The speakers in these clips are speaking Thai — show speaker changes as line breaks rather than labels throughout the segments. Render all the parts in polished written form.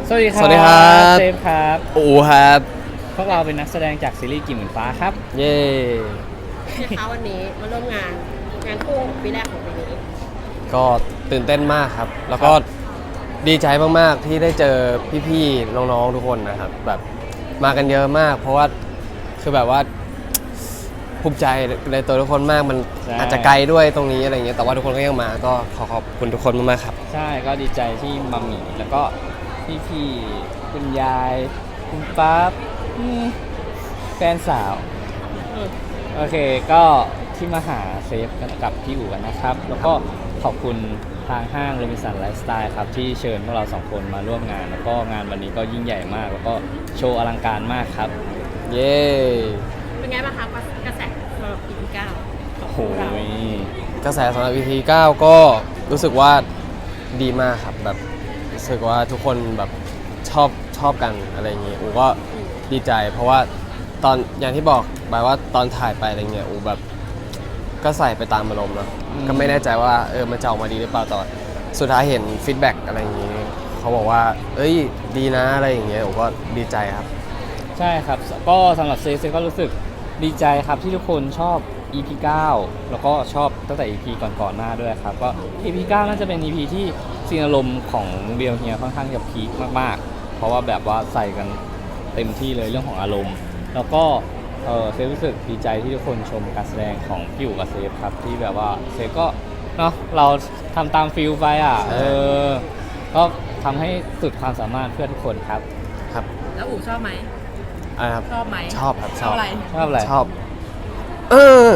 สวัสดีครับ
สวัสดีครับ
เซฟครับ
อูครับ
พวกเราเป็นนักแสดงจากซีรีส์กิ่งเหมือนฟ้าครับ
เย่
นะคะวันนี้มาร่วมงานคู่ปีแรกของปีนี้
ก็ตื่นเต้นมากครับ แล้วก็ดีใจมากๆที่ได้เจอพี่ๆน้องๆทุกคนนะครับแบบมากันเยอะมาก เพราะว่าคือแบบว่าภูมิใจในตัวทุกคนมากมันอาจจะไกลด้วยตรงนี้อะไรเงี้ยแต่ว่าทุกคนก็ยังมาก็ขอบคุณทุกคนมากๆครับ
ใช่ก็ดีใจที่มัมมี่แล้วก็พี่ๆคุณยายคุณป๊าแฟนสาวโอเคก็ที่มาหาเซฟกันกับพี่อู๋กันนะครับแล้วก็ขอบคุณทางห้างโรบินสันไลฟ์สไตล์ครับที่เชิญพวกเราสองคนมาร่วมงานแล้วก็งานวันนี้ก็ยิ่งใหญ่มากแล้วก็โชว์อลังการมากครับ
เย่
เป็นไงบ้างคะกระแสสำหรับปีที่9
โอ้โห
กระแสสำหรับ EP 9ก็รู้สึกว่าดีมากครับแบบรู้สึกว่าทุกคนแบบชอบกันอะไรอย่างเงี้ยอูก็ดีใจเพราะว่าตอนอย่างที่บอกไปว่าตอนถ่ายไปอะไรเงี้ยอูแบบก็ใส่ไปตามอารมณ์เนาะก็ไม่แน่ใจว่ามันจะออกมาดีหรือเปล่าตอนสุดท้ายเห็นฟีดแบ็กอะไรอย่างงี้เขาบอกว่าเอ้ยดีนะอะไรอย่างเงี้ยอูก็ดีใจครับ
ใช่ครับก็สำหรับเซก็รู้สึกดีใจครับที่ทุกคนชอบ EP 9แล้วก็ชอบตั้งแต่ EP ก่อนหน้าด้วยครับก็ EP 9น่าจะเป็น EP ที่ซีนอารมณ์ของเรียวเฮียค่อนข้างจะพีคมากๆเพราะว่าแบบว่าใส่กันเต็มที่เลยเรื่องของอารมณ์แล้วก็เซฟรู้สึกดีใจที่ทุกคนชมการแสดงของพี่อู๋กับเซฟครับที่แบบว่าเซฟก็เนาะเราทำตามฟิลไปก็ทำให้สุดความสามารถเพื่อทุกคนครับ
ครับ
แล้วอู๋ชอบไหม
ครับ
ชอบไหม
ชอบครับ
ชอบอะไร
ชอบ
เออ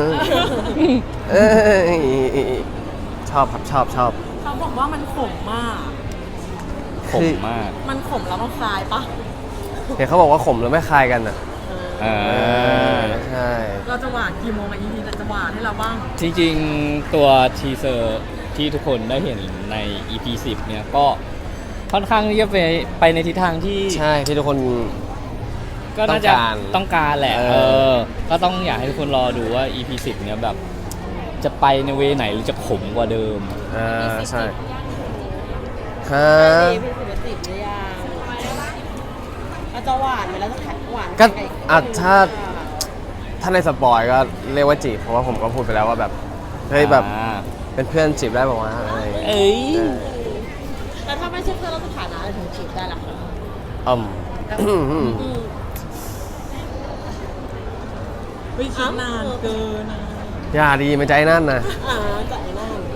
ชอบครับชอบ
เขาบอกว่ามันขมมากมันขมแล้วมันคลายปะ
เห็นเขาบอกว่าขมแล้วไม่คลายกันอ่ะใช่
เราจะหวานกี่โมงอีพีจะหวานให้เราบ้าง
จริงๆตัวทีเซอร์ที่ทุกคนได้เห็นใน EP 10เนี่ยก็ค่อนข้างที่จะไปในทิศทางที่
ใช่ที่ทุกคน
ก็น่าจะต้องการแหละก็ต้องอยากให้ทุกคนรอดูว่า EP 10เนี่ยแบบจะไปในเวไหนหรือจะขมกว่าเดิม
ใช่
ฮะEP 10หรือยังเราจะหวานไหมแล้วจะแข็งหวาน
ก็ถ้าในสปอยก็เรียกว่าจีบเพราะว่าผมก็พูดไปแล้วว่าแบบเฮ้ยแบบเป็นเพื่อนจีบได้บอกว่าอะไร
แล้วถ้าไม่ใช่เพื่อนเราสถานะอะไรถึงจีบได้ล่ะคะไม่คิดนานเกินนะ
อย่าดีไม่ใจนั่นนะ
ใจนั่น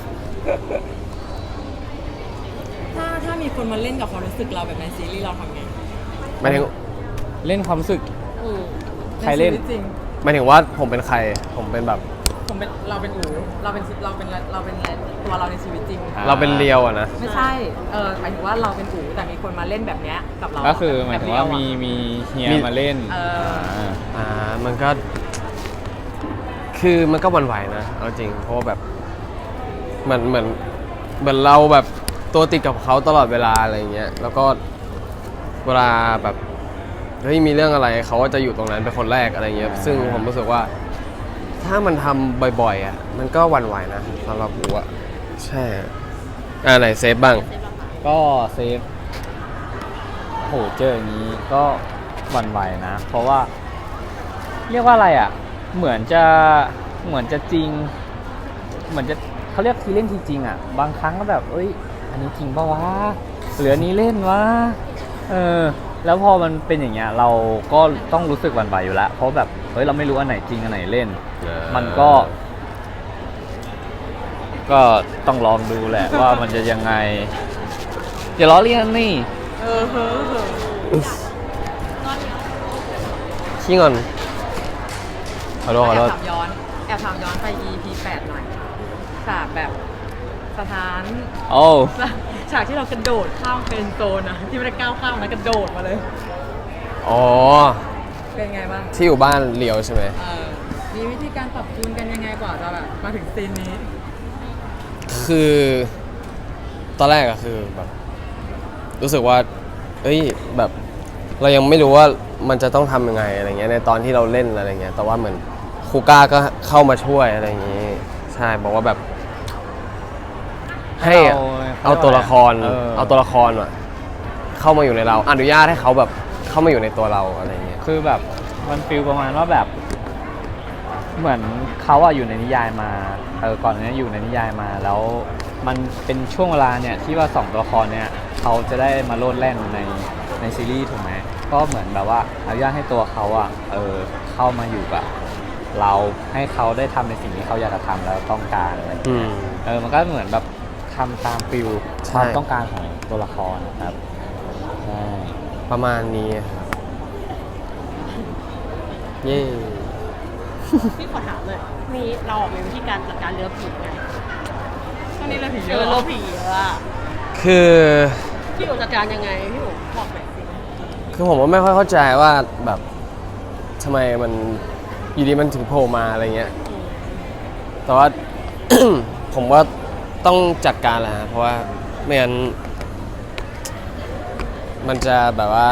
ถ้ามีคนมาเล่นกับความรู้สึกเราแบบในซีรีส์เราทำไง
หมายถึง
เล่นความรู้สึกใครเล่น
หมายถึงว่าผมเป็นใครผมเป็นแบบ
เราเป็นอู๋เราเป็นตัวเราในชีวิตจริง
เราเป็นเรียวอะนะ
ไม่ใช่หมายถึงว่าเราเป็นอู๋แต่มีคนมาเล่นแบบเนี้ยกับเรา
ก็คือหมายถึงว่ามีเฮียมาเล่น
มันก็คือมันก็หวั่นไหวนะเอาจริงเพราะว่าแบบเหมือนเราแบบตัวติดกับเขาตลอดเวลาอะไรเงี้ยแล้วก็เวลาแบบเฮ้ยมีเรื่องอะไรเขาก็จะอยู่ตรงนั้นเป็นคนแรกอะไรเงี้ยซึ่งผมรู้สึกว่าถ้ามันทำบ่อยๆอ่ะมันก็หวั่นไหวนะสำหรับผมอ่ะใช่ไหนเซฟบ้าง
ก็เซฟโหเจออย่างนี้ก็หวั่นไหวนะเพราะว่าเรียกว่าอะไรอ่ะเหมือนจะจริงเหมือนจะเขาเรียกทีเล่นทีจริงอ่ะบางครั้งก็แบบเอ้ยอันนี้จริงป่าววะเหลือนี้เล่นวะแล้วพอมันเป็นอย่างเงี้ยเราก็ต้องรู้สึกหวั่นไหวอยู่แล้วเพราะแบบเฮ้ยเราไม่รู้อันไหนจริงอันไหนเล่นมันก็ต้องลองดูแหละว่ามันจะยังไงอย่าล้อเลียนนี่
ขี้งอนขอโทษ
แอบถามย้อนไป EP 8หน่อยฉากแบบสถานฉากที่เรากระโดดข้ามเป็นโซนนะที่ไม่ได้ก้าวข้ามนะกระโดดมาเลยเป็นไงบ้าง
ที่อยู่บ้านเลียวใช่ไหม
มีวิธีการปรับจูนกันยังไงกว่าจะแบบมาถึงซีนนี้
คือตอนแรกอะคือแบบรู้สึกว่าเอ้ยแบบเรายังไม่รู้ว่ามันจะต้องทำยังไงอะไรเงี้ยในตอนที่เราเล่นอะไรเงี้ยแต่ว่าเหมือนครูก้าก็เข้ามาช่วยอะไรอย่างงี้ใช่บอกว่าแบบให้เอาตัวละครว่ะเข้ามาอยู่ในเราอนุญาตให้เขาแบบเข้ามาอยู่ในตัวเราอะไรเงี้ย
คือแบบมันฟีลประมาณว่าแบบ เหมือนเขาอะอยู่ในนิยายมาก่อนหน้านี้อยู่ในนิยายมาแล้วมันเป็นช่วงเวลาเนี่ยที่ว่าสองตัวละครเนี่ยเขาจะได้มาโลดแล่นในซีรีส์ถูกไหมก็เหมือนแบบว่าอนุญาตให้ตัวเขาอะเข้ามาอยู่กับเราให้เขาได้ทำในสิ่งที่เขาอยากจะทำแล้วต้องการอะไรอย่างเงี้ยมันก็เหมือนแบบทำตามฟิลความต้องการของตัวละครนะครับใช่
ประมาณนี้ครับเย้
พี่ขอถามเลยมีเราออกมีวิธีการจัดการเรือผีไง
ช่วงนี้เราผีเย
เจ
อะ
อ
เหร
เรือ
อ
ผีเยอะอะ
คือ
พี่อุจัดการยังไงพี่อุบอกหน่อยสิ
คือผมก็ไม่ค่อยเข้าใจว่าแบบทำไมมันอยู่ดีมันถึงโผล่มาอะไรเงี้ยแต่ว่า ผมว่าต้องจัดการแหละฮะเพราะว่าไม่งั้นมันจะแบบว่า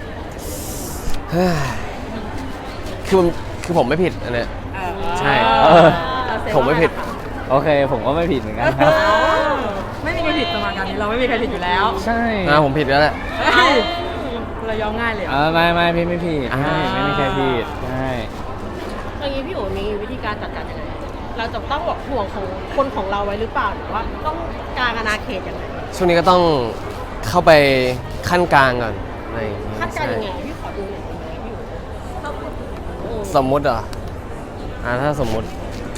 คือผมไม่ผิดอันเนี้ย ใช่
เราเซฟ
ผมไม่ผิด
โอเคผมก็ไม่ผิดเหมือนกันครับ
ไม่มีใครผิดสมการนี้เราไม่มีใครผิดอยู่แล้ว
ใช่
ผมผิดแล้วแหละ
เฮ้ยเรายอมง่ายเลยเหรอ
ไม่พี่ไม่ผิด
อ่า
ไม่มีใครผิดใช่
อย่างนี้พี่อุมีวิธีการจัดการยังไงเราจะต้องแบบห่วงของคนของเราไว้หรือเปล่าหรือว่าต้องกางอาณาเขตยังไง
ช่วงนี้ก็ต้องเข้าไปขั้นกลางก่อนอะไรอย่เย
คาดการณ์ยังไง
ใช่
พี่ขอดูหน่อยได้ไหมพี่อุ
สมมุติเหรอถ้าสมมุติ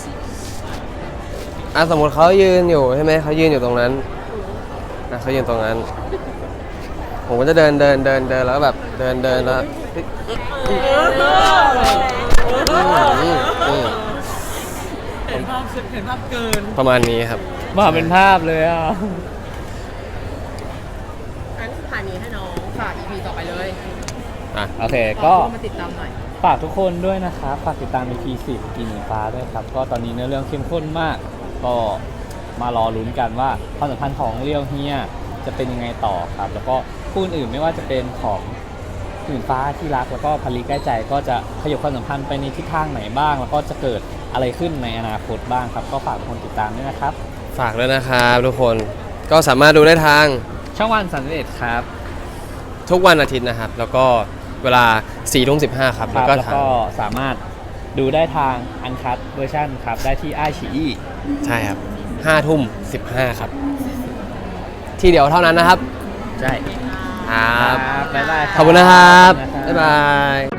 สมมุติเขายืนอยู่ใช่ไหมเขายืนอยู่ตรงนั้นเขายืนตรงนั้น ผมก็จะเดินแล้วก็แบบเดินแล้วอืม
เห็นภาพเกิน
ประมาณนี้ครับ
มาเป็นภาพเลยอ่ะ
งั้นผ่านนี้ให้น้อง
ฝาก EP ต่อไปเลย
โอเค
ก็
ก็
มาติดตามหน่อย
ฝากทุกคนด้วยนะครับ ฝากติดตาม EP 10กินหมีฟ้าด้วยครับ ก็ตอนนี้เนื้อเรื่องเข้มข้นมาก ก็มารอลุ้นกันว่าความสัมพันธ์ของเรียวเฮียจะเป็นยังไงต่อครับ แล้วก็คู่อื่นๆไม่ว่าจะเป็นของหมีฟ้าที่รักแล้วก็พลีใกล้ใจก็จะขยับความสัมพันธ์ไปในทิศทางไหนบ้าง แล้วก็จะเกิดอะไรขึ้นในอนาคตบ้างครับ ก็ฝากทุกคนติดตามด้วยนะครับ
ฝากด้วยนะครับทุกคนก็สามารถดูได้ทาง
ช่องวัน31ครับ
ทุกวันอาทิตย์นะครับ แล้วก็เวลา4:15ครับ
ค
แล้ว
รับ
ก็
แล้ว
ทาง
ก็สามารถดูได้ทางอันคัตเวอร์ชันครับ ได้ที่ไอชีอี
ใช่ครับ5:15ครับ ที่เดียวเท่านั้นนะครับ
ใช่
ครับ
บ๊ายบาย
ขอบคุณนะครับ
ขอบคุณนะครับ
บ๊ายบาย